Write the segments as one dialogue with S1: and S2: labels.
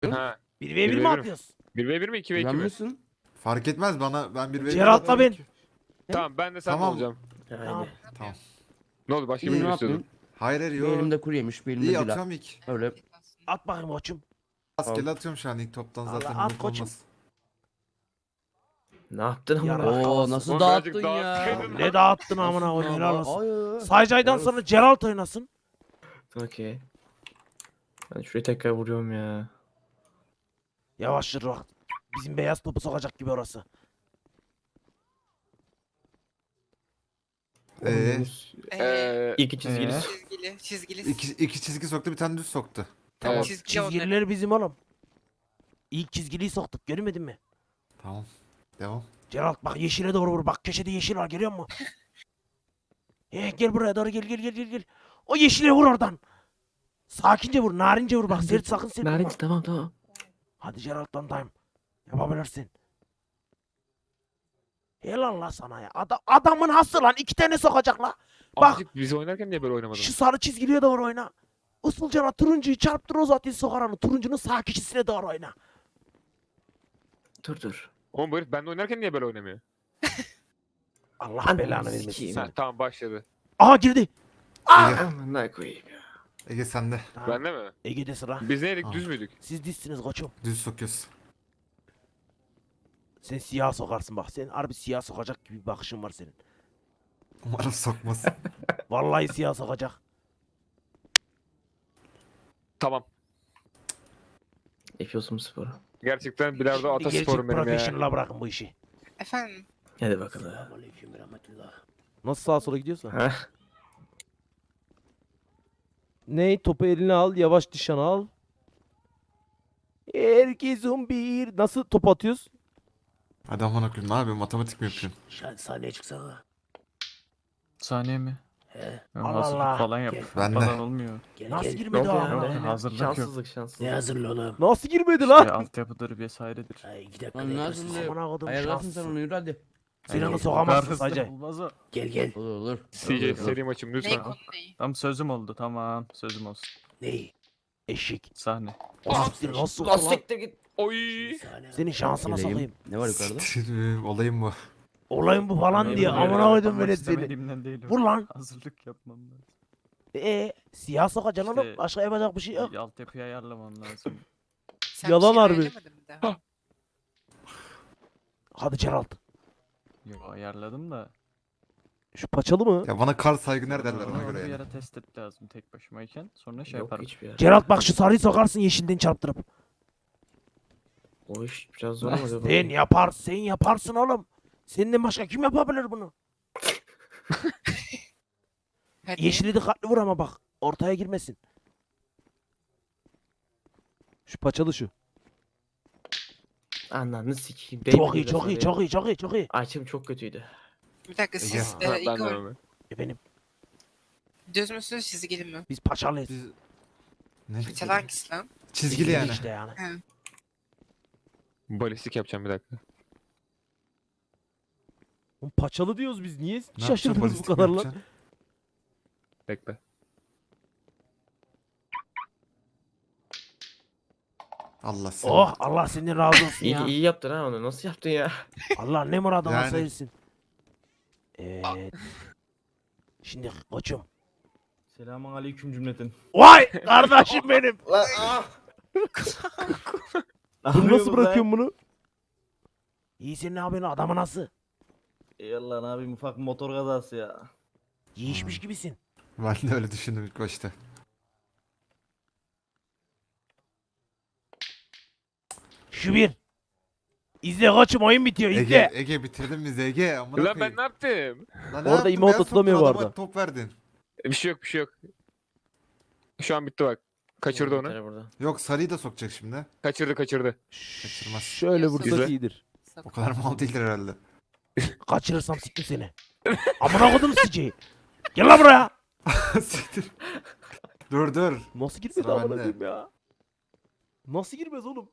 S1: Ha.
S2: 1v1 mi
S1: 1v1
S2: atıyoruz?
S1: 1v1 mi 2v2
S3: Güven
S1: mi?
S3: misin?
S4: Fark etmez bana. Ben bir
S2: Geralt'la ben.
S1: Tamam ben de sen
S4: Tamam.
S1: olacağım.
S2: Tamam.
S4: Tamam.
S1: Ne oldu başka
S3: İyi
S1: birini
S3: ne
S1: mi istiyordun?
S3: yapayım?
S4: Hayır hayır
S3: Bir
S4: yo.
S3: elimde kuru yemiş, bir elimde
S4: İyi
S3: bira.
S4: atıyorum ilk.
S3: Öyle.
S2: At bakayım koçum.
S4: Rastgele atıyorum şu an ilk toptan
S2: Allah,
S4: zaten.
S2: at
S4: yok
S2: koçum.
S4: olmaz.
S5: Ne yaptın ama?
S2: Yarak
S3: Oo
S2: havası.
S3: nasıl
S1: Oğlum
S3: dağıttın
S1: birazcık
S3: ya?
S1: dağıtsaydın.
S2: Ne dağıttın amına
S3: Nasıl
S2: koyayım helal olsun.
S3: Ay, ay.
S2: Saycay'dan
S3: Helal
S2: sonra
S3: olsun.
S2: Geralt oynasın.
S5: Okey. Ben şuraya tekrar vuruyorum ya.
S2: Yavaş yürü bak. Bizim beyaz topu sokacak gibi orası.
S5: İki çizgili.
S6: Çizgili.
S4: İki çizgi soktu bir tane düz soktu.
S6: Tamam
S1: Evet.
S6: çizgili onları.
S2: Çizgileri bizim oğlum. İlk çizgiliyi soktuk görmedin mi?
S4: Tamam. Devam.
S2: Geralt bak yeşile doğru vur. Bak köşede yeşil var görüyor musun? Gel buraya doğru gel. O yeşile vur oradan. Sakince vur, narince vur bak. Sert sakın sert vurma.
S5: Narinci tamam.
S2: Hadi Geralt'tan dayım. Yapabilirsin. Helal la sana ya. Adamın hası lan. 2 tane sokacak la. Bak.
S1: Bak. Biz oynarken niye böyle oynamadın?
S2: Şu sarı çizgiliye doğru oyna. Usulcana turuncuyu çarptır o zaten sokar onu. Turuncunun sağ köşesine doğru oyna.
S5: Dur.
S1: Oğlum bu herif ben de oynarken niye böyle oynamıyor?
S2: Allah
S5: Ananı
S2: belanı vermesin.
S5: sikeyim.
S1: Ha, tamam başladı.
S2: Aha girdi.
S4: Ege,
S5: Aman ne koyayım ya.
S4: Ege sende.
S2: Tamam.
S1: Bende mi?
S2: Ege'de sıra.
S1: Biz neydik
S4: Tamam.
S1: düz müydük?
S2: Siz dizsiniz koçum.
S4: Düz sokuyoruz.
S2: Sen siyah sokarsın bak. Sen harbi siyah sokacak gibi bir bakışın var senin.
S4: Umarım sokmaz.
S2: Vallahi siyah sokacak.
S1: Tamam.
S5: Yapıyorsun bu sporu.
S1: Gerçekten bilardo
S2: Şimdi gerçek
S1: atasporum benim ya.
S2: professional'a bırakın bu işi.
S6: Efendim.
S5: Hadi bakalım.
S7: Nasıl sağa sola gidiyorsa.
S5: Ha?
S7: Ne? Topu eline al. Yavaş nişan al. Herkesin bir. Nasıl top atıyoruz?
S4: Hadi aman okuyayım ne yapıyorsun? Matematik mi yapıyorsun?
S2: Sahneye çıksana.
S8: Saniye mi?
S2: He.
S8: Ya
S2: Allah
S8: hazırlık
S2: Allah.
S8: falan yap.
S2: Gel.
S4: Ben de.
S8: Falan olmuyor.
S2: Nasıl
S5: Ne
S2: girmedi
S5: oldu
S2: o
S5: ya?
S2: amına
S8: Yok,
S2: koyayım?
S8: hazırlık yok.
S5: Şanssızlık.
S2: Ne hazırlı oğlum?
S7: Nasıl girmedi
S8: İşte
S7: lan?
S8: altyapıdır vesairedir.
S2: Ay 2 dakika
S3: Lan
S2: beklersin.
S3: nasıl?
S2: Amına kodum
S3: Ayarlarsın sen
S2: şanssın.
S3: onu yürü hadi.
S2: Sen onu
S8: Bu
S2: sokamazsın
S8: kadar
S2: sadece.
S8: hızlı olmaz o.
S2: Gel.
S3: Olur olur.
S1: CJ seri maçım
S6: Ney
S1: lütfen.
S6: konu neyi?
S8: Tamam sözüm oldu tamam sözüm olsun.
S2: Ney? Eşek.
S8: Sahne.
S2: Nasıl nasıl
S5: Lan
S2: lan?
S5: siktir git.
S1: Oy.
S2: Senin şansına
S3: Geleyim.
S2: sokayım.
S3: Ne var yukarıda?
S4: Olayım bu.
S2: Olayım bu falan
S5: Ne
S2: diye
S5: bileyim,
S2: amına koydum
S8: Yapmak
S2: böyle seni.
S8: istemediğimden değil.
S2: Vur lan.
S8: Hazırlık yapmam lazım.
S2: Siyah sokacaksın
S8: İşte-
S2: oğlum. Başka yapacak bir şey yok.
S8: Altyapıyı ayarlamam lazım.
S6: Sen
S7: Yalan
S6: bir şey
S7: harbi.
S6: ayarlamadın mı daha?
S2: Hadi Geralt.
S8: Yok ayarladım da.
S7: Şu paçalı mı?
S4: Ya bana kar saygıner derler ona
S8: Onu
S4: göre
S8: bir
S4: yani.
S8: ara test et lazım tek başımayken. Sonra şey
S5: Yok
S8: yaparım.
S5: hiçbir yer.
S2: Geralt bak şu sarıyı sokarsın yeşilden çarptırıp.
S5: O iş biraz zor ama.
S2: Sen yaparsın oğlum. Senden başka kim yapabilir bunu?
S6: Hadi.
S2: Yeşili dikkatli vur ama bak. Ortaya girmesin.
S7: Şu paçalı şu.
S5: Ananı sikeyim.
S2: Çok iyi.
S5: Açım çok kötüydü.
S6: Bir dakika siz
S1: Ben de
S6: Igor
S1: öyle.
S2: Efendim
S6: düz müsünüz çizgili mi?
S2: biz paçalıyız.
S4: Biz... Ne?
S6: Paçalı hangisi lan?
S4: Çizgili yani.
S2: İşte yani.
S1: Balistik yapacağım bir dakika.
S7: Oğlum paçalı diyoruz biz. Niye
S4: Ne yapacağım,
S7: şaşırdınız bu
S4: balistik mi
S7: kadar lan?
S4: yapacaksın?
S1: Bekle.
S4: Allah seni.
S2: Oh Allah senden razı olsun ya.
S5: İyi yaptın ha onu. Nasıl yaptın ya?
S2: Allah ne muradına
S4: Yani.
S2: sayırsın. Evet. Şimdi koçum.
S7: Selamun aleyküm cümleten.
S2: Vay kardeşim benim.
S7: Bunu nasıl bırakıyorsun bunu?
S2: İyi sen ne yapıyorsun adamı nasıl?
S7: Yallah ne yapayım ufak motor kazası ya.
S2: Yiyişmiş gibisin.
S4: Ben de öyle düşündüm ilk başta.
S2: Şu bir. İzle koçum oyun bitiyor izle.
S4: Ege bitirdin bizi Ege. Amına
S1: Lan
S4: koyayım.
S1: ben ne yaptım?
S4: Lan ne
S7: Orada
S4: yaptın?
S7: emote
S4: Beyaz
S7: atılamıyor
S4: soktun,
S7: bu
S4: adama
S7: arada.
S4: top verdin.
S1: Bir şey yok. Şu an bitti bak. Kaçırdı onu.
S5: Yeter burada.
S4: Yok sarıyı da sokacak şimdi.
S1: Kaçırdı.
S4: Kaçırmaz.
S7: Şöyle vursak
S1: İzle.
S7: iyidir.
S4: O kadar mal değildir herhalde.
S2: Kaçırırsam siktim seni. Amına kodum sici. Gel lan buraya.
S4: Siktir. Dur.
S7: Nasıl girmedi
S4: Sıra
S7: amına
S4: bende.
S7: koyayım ya? Nasıl girmez oğlum?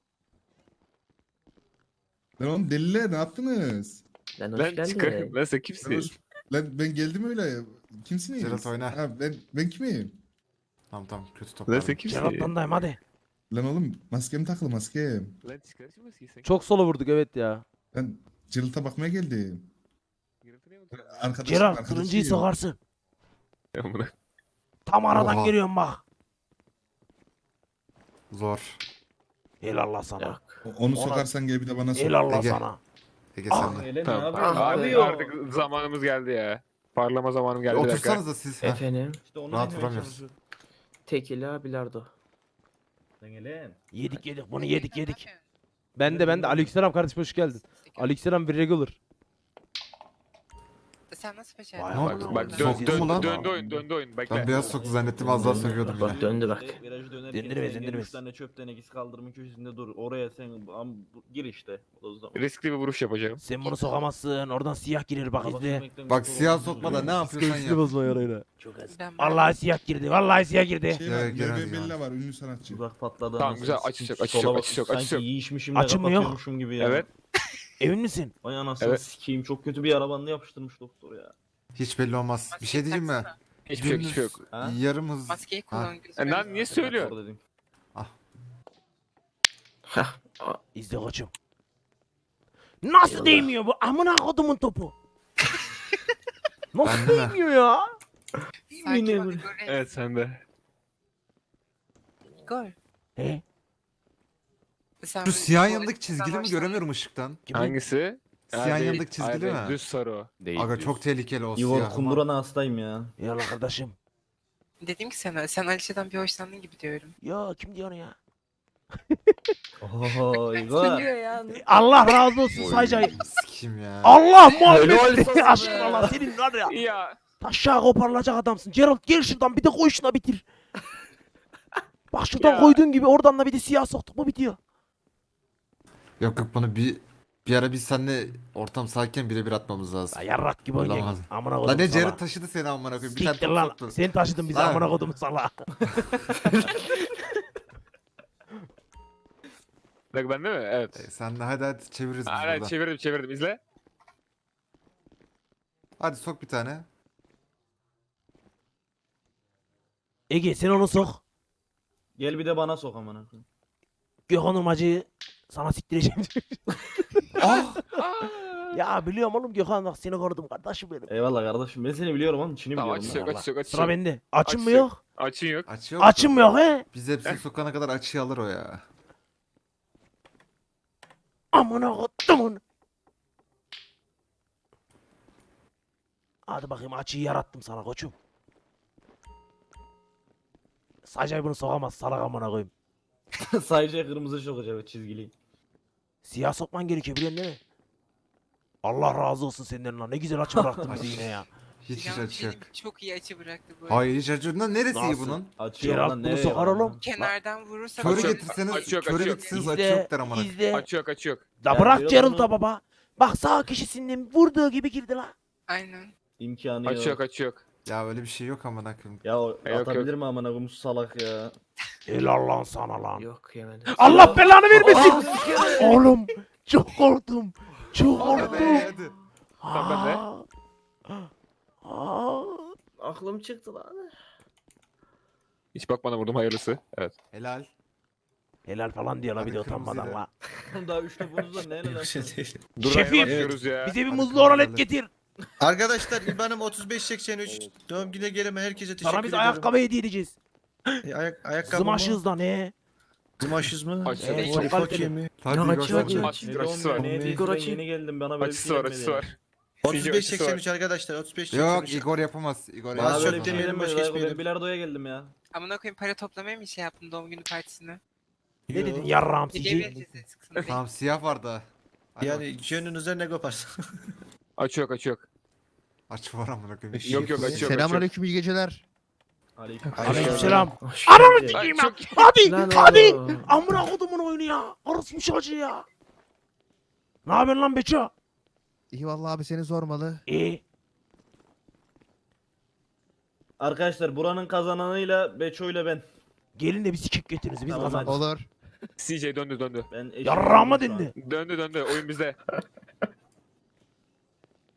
S9: Lan oğlum deliler ne yaptınız?
S5: Lan hoş
S1: Lan
S5: geldin.
S1: çıkarım. Lan sen
S9: Lan,
S1: kimsin?
S9: lan ben geldim öyle. Kimsiniz?
S4: Geralt oyna.
S9: Ha, ben kimim?
S4: Tamam kötü top.
S1: Lan
S4: verdim.
S1: sen kimsin?
S2: Geralt'tan dayım hadi.
S9: Lan oğlum maskem takılı maskem.
S1: Lan çıkar şu maskeyi sen.
S2: Çok sola vurduk evet ya.
S9: Ben cırılta bakmaya geldim.
S1: Gürültü ne oldu?
S9: Arkadaşım
S2: Gerard
S9: arkadaşıyım.
S2: kılıncıyı sokarsın.
S1: Amına.
S2: Tam aradan
S4: Oha.
S2: geliyorum bak.
S4: Zor.
S2: Helallah sana.
S5: Yok.
S9: Onu
S2: Ona-
S9: sokarsan gel bir de bana sok.
S2: Helallah
S4: Ege.
S2: sana.
S4: Ege
S2: Ah.
S4: sen de.
S7: Ele ne
S1: Tamam.
S7: yapıyorsun? Ne
S1: Artık,
S7: yapıyor?
S1: artık zamanımız geldi ya. Parlama zamanım geldi. bir dakika.
S4: Otursanız da siz. Heh.
S5: Efendim.
S7: İşte onu
S4: Rahat
S7: demeye
S4: vuramıyoruz.
S7: çalışıyorum.
S5: Tekila bilardo.
S7: Lan Elen.
S2: Yedik bunu
S6: Ne
S2: yedik
S6: yapıyorsun?
S2: yedik. Ben de Aleykümselam kardeşim hoş geldin. Aleykümselam bir regular.
S6: Sen nasıl
S2: Vay
S6: becerdin?
S2: amına
S1: Bak, bak
S2: koyayım.
S1: dön,
S4: Soktun mu lan?
S1: döndü oyun, döndü oyun. Bekle.
S4: Ben beyaz soktu zannettim az daha sokuyordum
S5: Bak
S4: yine.
S5: döndü bak.
S7: Virajı dönerken
S2: Zindirmez,
S7: sen gel
S2: zindirmez.
S7: 3 tane çöp tenekesi kaldırımın köşesinde dur. Oraya sen gir işte. O zaman.
S1: Riskli bir vuruş yapacağım.
S2: Sen bunu sokamazsın. Oradan siyah girer bak izle.
S4: Bak siyah sokma da ne yapıyorsan yap.
S2: bozma yarayla.
S6: Çok az.
S2: Vallahi siyah girdi. Vallahi siyah girdi.
S9: Şey var,
S4: Evet, Gerard
S9: Merve
S4: ya.
S9: Bella var ünlü sanatçı.
S7: Uzak patladı.
S1: Tamam,
S7: anasını
S1: güzel.
S7: sikeyim.
S1: Açış yok,
S7: Sola bak,
S1: açış yok, açış yok.
S7: Sanki yiyişmişim de
S2: Açım mı yok?
S7: kapatıyormuşum gibi ya.
S1: Evet.
S2: Emin misin?
S7: Vay anasını
S1: Evet.
S7: sikeyim. Çok kötü bir arabanla yapıştırmış doktor ya.
S4: Hiç belli olmaz. Bir şey diyeyim mi?
S6: Taksana.
S1: Hiçbir şey yok, hiçbir şey yok.
S7: Ha?
S4: Yarım hız.
S6: Maskeyi
S4: Ha.
S6: kullan gözüme.
S1: Lan niye söylüyor?
S7: Doktor dedim.
S5: Hah.
S2: İzle koçum. Nasıl
S5: Eyvallah.
S2: değmiyor bu? Amına kodumun topu. Nasıl
S4: Ben de.
S2: değmiyor ya?
S6: Sakin ol
S5: Yine
S6: Igor.
S1: Evet sen de.
S6: Igor.
S2: He?
S6: Sen
S4: Şu
S6: bu-
S4: siyah
S6: bu-
S4: yanındaki çizgili mi
S6: sen
S4: göremiyorum ışıktan.
S2: Kimin?
S1: Hangisi?
S4: Siyah
S1: değil.
S4: yanındaki çizgili
S1: Hayır,
S4: mi?
S1: Düz sarı o.
S8: Değil.
S4: Aga çok tehlikeli o
S7: Igor
S4: siyah.
S7: kundurana hastayım ya.
S2: Yallah kardeşim.
S6: Dedim ki sana, sen Alişe'den bir hoşlandın gibi diyorum.
S2: Ya kim diyor onu ya?
S7: Oho Igor.
S2: Allah razı olsun Saycay.
S4: Sikim ya.
S2: Allah
S5: Helal
S2: muhabbet
S5: olsun
S2: aşkına
S5: be.
S2: Allah senin var ya.
S1: Ya.
S2: Taşağı koparılacak adamsın. Gerald gel şuradan bir de koy şuna bitir. Bak şuradan
S1: Ya.
S2: koyduğun gibi oradan da bir de siyah soktuk mu bitiyor.
S4: Yok yok bunu bir ara biz seninle ortam sakin birebir atmamız lazım.
S2: Ya yarrak gibi
S4: Olamaz.
S2: oynayın. Amına kodum
S4: Lan ne
S2: sala.
S4: Jared taşıdı seni amına koyayım. Bir tane
S2: Siktir
S4: top
S2: lan.
S4: soktu.
S2: Sen taşıdın bizi
S4: Ha.
S2: amına kodum sala.
S1: Bak bende mi? Evet.
S4: Sen de hadi çeviririz biz
S1: Aynen
S4: burada.
S1: çevirdim izle.
S4: Hadi sok bir tane.
S2: Ege sen onu sok.
S7: Gel bir de bana sok amına koyayım.
S2: Gökhan Urmacı'yı sana siktireceğim.
S4: Ah!
S2: Ya biliyorum oğlum Gökhan bak seni korudum kardeşim benim.
S7: Eyvallah kardeşim. Ben seni biliyorum oğlum. Çin'i
S1: Tamam
S7: biliyorum.
S1: açış yok,
S7: lan.
S1: açış yok, açış
S2: Sıra
S1: yok.
S2: bende. Açın mı
S1: Açık.
S2: yok?
S1: Açın yok.
S4: Açı yok.
S2: Açın mı yok he?
S4: Biz hepsini sokana kadar açıyı alır o ya.
S2: Amına kodumun. Hadi bakayım açıyı yarattım sana koçum. Sadece bunu sokamaz salak amına koyayım.
S7: Sadece kırmızı sokacak çizgili.
S2: Siyah sokman gerekiyor biliyorsun değil mi? Allah razı olsun senden lan. Ne güzel açı bıraktın bizi yine ya.
S4: Hiç
S6: Yalnız bir
S4: açı
S6: şey
S4: yok.
S6: diyeyim mi? Çok iyi açı bıraktı bu.
S4: Hayır hiç açı yok. Lan neresi iyi
S2: Nasıl?
S4: bunun?
S7: Açıyor
S2: Geralt
S7: lan
S2: bunu
S7: nereye
S2: sokar
S7: lan?
S2: oğlum.
S6: Kenardan vurursa
S4: Körü
S1: Açı yok,
S4: getirseniz,
S1: açı yok,
S4: körü
S1: açı yok.
S4: getirseniz açı
S2: İzle,
S4: yok der amına.
S2: izle.
S1: Açı yok.
S2: Da
S7: Ya
S2: bırak
S7: diyor
S2: Geralt'a
S7: bunu-
S2: baba. Bak sağ kişisinden vurduğu gibi girdi la.
S6: Aynen.
S7: İmkanı
S1: Açı
S7: yok.
S1: yok, açı yok.
S4: Ya öyle bir şey yok amına koyayım.
S7: Ya o
S1: Yok,
S7: atabilir
S1: yok.
S7: mi amına koyayım salak ya.
S2: Helal lan sana lan.
S5: Yok yemedim.
S2: Allah belanı vermesin. Oğlum çok korktum. Çok
S4: Hadi
S2: korktum.
S4: hadi.
S1: Tamam, ben de.
S2: Aa.
S5: Aklım çıktı lan.
S1: Hiç bakmadan vurdum hayırlısı. Evet.
S4: Helal.
S2: Helal falan diyor la bir de
S4: Hadi
S2: utanmadan
S4: kırmızıyla.
S2: la.
S7: Daha 3 topunuz var ne lan?
S1: Dur
S2: Şefim.
S1: Şefim. Başlıyoruz ya.
S2: Bize bir
S4: Hadi
S2: muzlu
S4: kırmızı
S2: oralet
S4: alet.
S2: getir.
S3: Arkadaşlar İBAN'ım 3583. Doğum gününe geleme herkese teşekkür
S2: Sana biz
S3: ediyorum.
S2: ayakkabı hediye edeceğiz.
S3: Ayakkabı mı?
S2: Zımaşız da ne?
S3: Zımaşız mı?
S1: Açı
S2: Evet,
S1: yok.
S2: çok
S3: Çok
S2: kaliteli.
S3: mi?
S4: Hadi
S5: Ya,
S4: Igor
S5: açı
S4: sen
S5: yok
S4: de.
S5: ya.
S1: Açısı var, açısı var.
S7: Ne hediyesi
S5: Igor
S7: ben
S5: açayım.
S7: yeni geldim bana böyle bir
S1: Açısı
S7: şey
S1: var,
S7: gelmedi
S1: açısı
S7: ya.
S1: var. Açısı var.
S3: 3583 arkadaşlar 3583.
S4: Yok Igor yapamaz. Igor
S3: Bana
S4: yapamaz.
S3: şöyle
S7: Böyle bir şey
S3: demeyelim,
S7: gelmedi.
S3: boş
S7: Ben
S3: geçmeyelim.
S7: bilardoya geldim ya.
S6: Amına koyayım para toplamaya mı şey yaptın doğum günü partisine?
S2: Ne dedin yarrağım
S6: Hediye
S2: sici?
S6: vereceğiz de sıksın değil.
S4: Tamam siyah var da. Hadi bak.
S3: Yani gönlünüze ne koparsa.
S1: Açı yok, açı yok.
S4: Açı var amına koyayım.
S1: Yok yok, açı yok.
S3: Selamünaleyküm iyi geceler.
S7: Aleyküm.
S2: Aleykümselam.
S5: Hoş
S2: Ananı
S5: geldin.
S2: sikeyim
S1: Ay,
S2: ya.
S1: çok-
S2: Hadi
S5: Lan
S2: hadi.
S5: oğlum.
S2: Amına kodumun oyunu ya. Orospu çocuğu ya. Ne yapıyorsun lan Beço?
S3: İyi vallahi abi seni sormalı.
S2: İyi.
S7: Arkadaşlar buranın kazananıyla Beço ile ben.
S2: Gelin de bir sikik getiriniz biz
S7: Tamam,
S2: kazandık.
S3: Olur.
S1: CJ döndü.
S7: Ben eşim
S2: Yarrağıma
S7: oldum şu an.
S2: dindi.
S1: Döndü. Oyun bizde.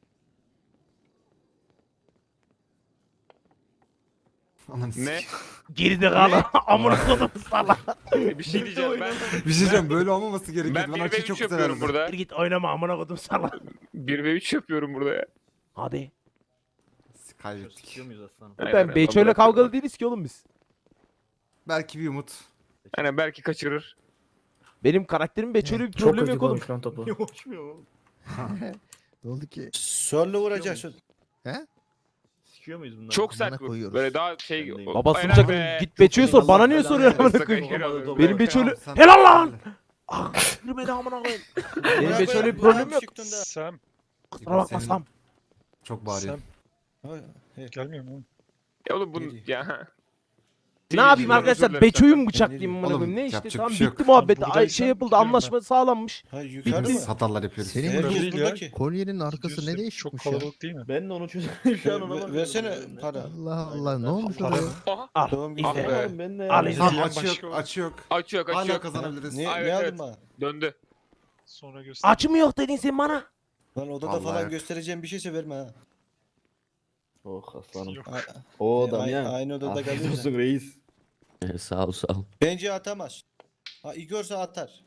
S4: Ananı
S1: Ne?
S4: sikeyim.
S2: Geride kal. Amına kodum salak.
S1: Bir şey diyeceğim ben.
S4: Bir şey diyeceğim böyle olmaması gerekiyor.
S1: Ben
S4: Ben
S1: 1 ve
S4: açıyı
S1: 3
S4: çok
S1: yapıyorum
S4: severdim.
S1: burada.
S2: Gir git oynama amına kodum salak.
S1: 1 ve 3 yapıyorum burada ya.
S2: Hadi.
S4: Kaybettik.
S7: Sikiyor muyuz aslanım?
S1: Aynen,
S2: Ben
S1: ben
S2: Beço'yla
S1: bırakıyorum.
S2: kavgalı değiliz ki oğlum biz.
S4: Belki bir umut.
S1: Aynen belki kaçırır.
S2: Benim karakterim Beço'yla bir
S5: Çok
S2: problem
S5: hızlı
S2: yok oğlum.
S5: konuşulan topu.
S7: Uçmuyor oğlum.
S10: Ne oldu ki?
S3: Solla vuracaksın.
S7: Sikiyor muyuz bunları?
S1: Çok
S10: Amına
S1: sert vur.
S10: koyuyoruz.
S1: Böyle daha şey.
S7: Ben de-
S1: o-
S2: Baba
S1: Aynen
S2: sıcak
S1: be.
S2: git Beço'ya sor. Bana niye
S4: Allah
S2: soruyorsun
S1: belanı
S2: amına koyayım?
S1: versin.
S7: Olmadı,
S2: Benim
S7: olmadı.
S2: Beço'yla...
S4: Sen-
S2: Helal lan! Ah girmedi amına koyayım. Benim Beço'yla bir problem yok.
S11: Sam
S2: Kusura bakma
S4: Senin-
S2: Sam.
S4: Çok bağırıyor.
S11: gelmiyor mu?
S1: Ya oğlum bunu
S3: Geliyor.
S1: ya.
S2: Ne yapayım arkadaşlar? Beço'yu mu bıçaklayayım
S3: Oğlum,
S2: amına koyayım? Ne işte
S4: yapacak
S2: tamam
S4: bir şey yok.
S2: bitti muhabbet.
S11: Buradaysan
S2: Ay, şey yapıldı
S11: gidiyorum
S2: anlaşma sağlanmış.
S3: Ha yukarı mı?
S4: Biz hatalar yapıyoruz.
S10: Senin
S3: Herkes
S11: Değil ya.
S3: buradaki.
S10: kolyenin arkası
S11: Gidiyorsun,
S10: ne
S11: Çok
S10: değişikmiş ya?
S11: kalabalık değil mi?
S7: Ben de onu çözüyorum şu an ona bakıyorum.
S3: Versene
S7: Yani.
S3: para.
S10: Allah Allah ne olmuş
S11: Para
S10: oraya?
S11: mı?
S1: Aha.
S2: Al.
S3: Doğum günü.
S1: Ah be.
S7: Oğlum ben de
S2: Al
S7: ya.
S2: izle.
S4: Tamam
S11: Diyen
S4: açı yok
S11: başka var.
S4: açı yok.
S1: Açı yok açı
S4: Hala
S1: yok.
S4: kazanabiliriz.
S3: Ne,
S1: Evet,
S3: ne aldın
S1: evet.
S3: bana?
S1: Döndü.
S11: Sonra göster.
S2: Açı mı yok dedin sen bana?
S3: Lan odada
S4: Vallahi
S3: falan
S4: yok.
S3: göstereceğim bir şeyse verme ha.
S7: Oh aslanım.
S11: Yok.
S7: O
S3: Ay-
S7: Damyan.
S3: aynı odada
S7: Afiyet
S3: kalıyoruz
S7: olsun reis.
S5: Sağ ol sağ ol.
S3: Bence atamaz. Ha Igor'sa atar.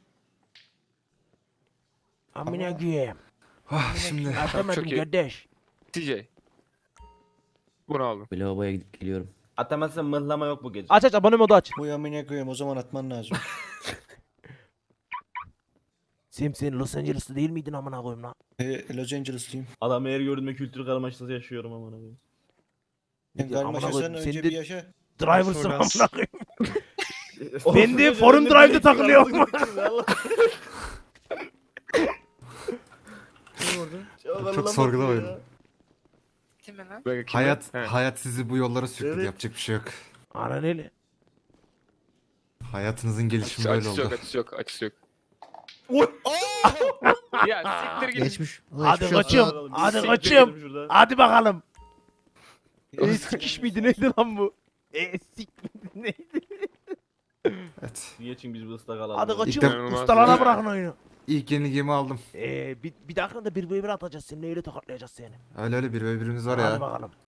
S2: Amına koyayım.
S4: Ah, şimdi
S2: Atamadım
S1: çok iyi.
S2: kardeş.
S1: TJ. Bunu aldım.
S5: Lavaboya gidip geliyorum.
S7: Atamazsan mıhlama yok bu gece.
S2: Aç aç abone modu aç.
S3: Bu yamine koyayım o zaman atman lazım.
S2: Sen Los Angeles'ta değil miydin amına koyayım lan?
S3: Los Angeles'lıyım.
S7: Adam her gördüğümde kültür karmaşası yaşıyorum amına koyayım.
S3: Sen
S2: Amına
S3: karmaşasan
S2: koyayım,
S3: önce
S2: sen
S3: bir
S2: de-
S3: yaşa.
S2: Driver'sın
S11: Performans.
S2: amına koyayım. Ben de Foreign Drive'da takılıyorum.
S4: Çok sorgulamayın.
S6: Değil mi lan?
S1: Böyle kim-
S4: Hayat
S1: He.
S4: hayat sizi bu yollara sürükledi.
S7: Evet.
S4: Yapacak bir şey yok.
S2: Anan öyle.
S4: Hayatınızın gelişimi böyle
S1: Açısı yok
S4: oldu.
S1: açısı yok açısı yok. Ya siktir git.
S10: Geçmiş.
S2: Hadi
S10: Geçmiş olsun.
S2: koçum. Hadi
S7: Siktir
S2: koçum.
S7: ederim şuradan.
S2: Hadi bakalım. Sikiş miydi neydi lan bu? Sik miydi neydi?
S4: Evet.
S7: Geçin biz bu ıslak alalım.
S2: Hadi
S7: ya.
S2: koçum
S1: İnanılmaz
S2: ustalara
S1: ya.
S2: bırakın oyunu.
S4: İlk yenilgimi aldım.
S2: Bir dakika da bir atacağız seni. Neyle tokatlayacağız seni?
S4: Öyle öyle bir ve birimiz var
S2: Hadi
S4: ya.
S2: bakalım.